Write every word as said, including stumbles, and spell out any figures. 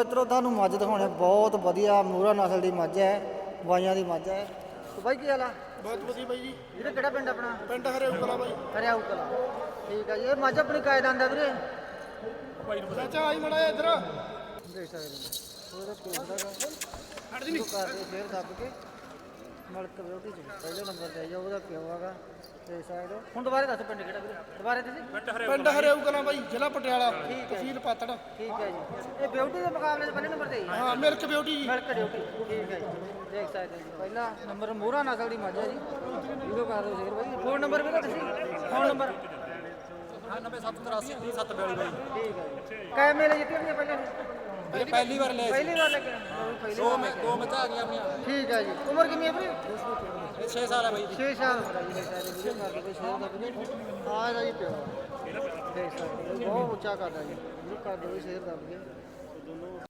ਮਿੱਤਰੋ ਤੁਹਾਨੂੰ ਮੱਝ ਦਿਖਾਉਣੇ ਬਹੁਤ ਵਧੀਆ ਮੂਰਾ ਨਸਲ ਦੀ ਮੱਝ ਹੈ, ਬਾਈਆਂ ਦੀ ਮੱਝ ਹੈ। ਤੇ ਬਾਈ ਕੀ ਹਾਲ ਆ? ਬਹੁਤ ਵਧੀਆ ਬਾਈ ਜੀ। ਵੀਰੇ ਕਿਹੜਾ ਪਿੰਡ ਆਪਣਾ? ਪਿੰਡ ਹਰਿਆਊ ਕਲਾਂ ਬਾਈ। ਹਰਿਆਊ ਕਲਾਂ, ਠੀਕ ਹੈ ਜੀ। ਇਹ ਮੱਝ ਆਪਣੀ ਕਾਇਦ ਆਂਦਾ ਵੀਰੇ? ਚਾਚਾ ਆਈ ਮੜਾ ਇੱਧਰ ਦੇਖ ਸਕਦੇ ਹੋ ਉਹਦਾ ਕੋਸਦਾ ਹਟ ਜੀ ਨਹੀਂ ਕਰਦੇ ਫੇਰ ਦੱਬ ਕੇ ਮਲਕ ਬਿਊਟੀ ਚ ਪਹਿਲੇ ਨੰਬਰ ਤੇ ਆਇਆ ਉਹਦਾ ਪਿਓ ਹੈਗਾ। ਦੇਖ ਸਕਦੇ ਹੋ। ਹੁਣ ਦੁਬਾਰੇ ਦੱਸ ਪਿੰਡ ਕਿਹੜਾ ਵੀਰੇ? ਦੁਬਾਰੇ ਤੁਸੀਂ? ਪਿੰਡ ਹਰਿਆਊ ਕਲਾਂ ਬਾਈ, ਜ਼ਿਲ੍ਹਾ ਪਟਿਆਲਾ, ਠੀਕ ਹੈ। ਤਹਿਸੀਲ ਪਾਤੜ। ਠੀਕ ਹੈ ਜੀ। ਇਹ ਬਿਊਟੀ ਦੇ ਮੁਕਾਬਲੇ 'ਚ ਪਹਿਲੇ ਨੰਬਰ ਤੇ ਆਈ? ਹਾਂ, ਮਿਲਕ ਬਿਊਟੀ ਜੀ। ਮਿਲਕ ਬਿਊਟੀ, ਠੀਕ ਹੈ ਜੀ। ਦੇਖ ਸਕਦੇ ਹੋ ਜੀ ਪਹਿਲਾ ਨੰਬਰ ਮੋਹਰਾ ਨਸਲ ਦੀ ਮੱਝ ਹੈ ਜੀ। ਵੀਡੀਓ ਕਰ ਦਿਓ ਸ਼ੇਅਰ ਬਾਈ। ਫੋਨ ਨੰਬਰ ਵੀਰੇ ਤੁਸੀਂ? ਫੋਨ ਨੰਬਰ ਨੱਬੇ ਸੱਤ ਤਰਾਸੀ ਤੀਹ ਸੱਤ ਬਿਆਲੀ ਬਾਈ। ਠੀਕ ਹੈ ਜੀ। ਕਾਇ ਮੇਲੇ ਜਿੱਤੀਆਂ ਹੋਈਆਂ ਪਹਿਲਾਂ? ਇਹ ਪਹਿਲੀ ਵਾਰ ਲੈ ਪਹਿਲੀ ਵਾਰ ਲੱਗਿਆ ਪਹਿਲੀ ਦੋ ਵਾਰ ਮੈਂ ਦੋ ਮੱਝਾਂ ਆ ਗਈਆਂ ਆਪਣੀਆਂ। ਠੀਕ ਹੈ ਜੀ। ਉਮਰ ਕਿੰਨੀ ਹੈ ਵੀਰੇ? ਇਹ ਛੇ ਸਾਲ ਹੈ ਬਾਈ ਜੀ। ਛੇ ਸਾਲ ਉਮਰ ਹੈ ਜੀ। ਦੇਖ ਸਕਦੇ ਵੀਡੀਓ ਕਰ ਦਿਓ ਸ਼ੇਅਰ ਦਾ ਵੀਰੇ। ਆਹ ਇਹਦਾ ਜੀ ਪਿਓ ਦੇਖ ਸਕਦੇ ਹੋ, ਬਹੁਤ ਉੱਚਾ ਕਰਦਾ ਜੀ। ਵੀਡੀਓ ਕਰ ਦਿਓ ਸ਼ੇਅਰ ਦਾ ਵੀਰੇ।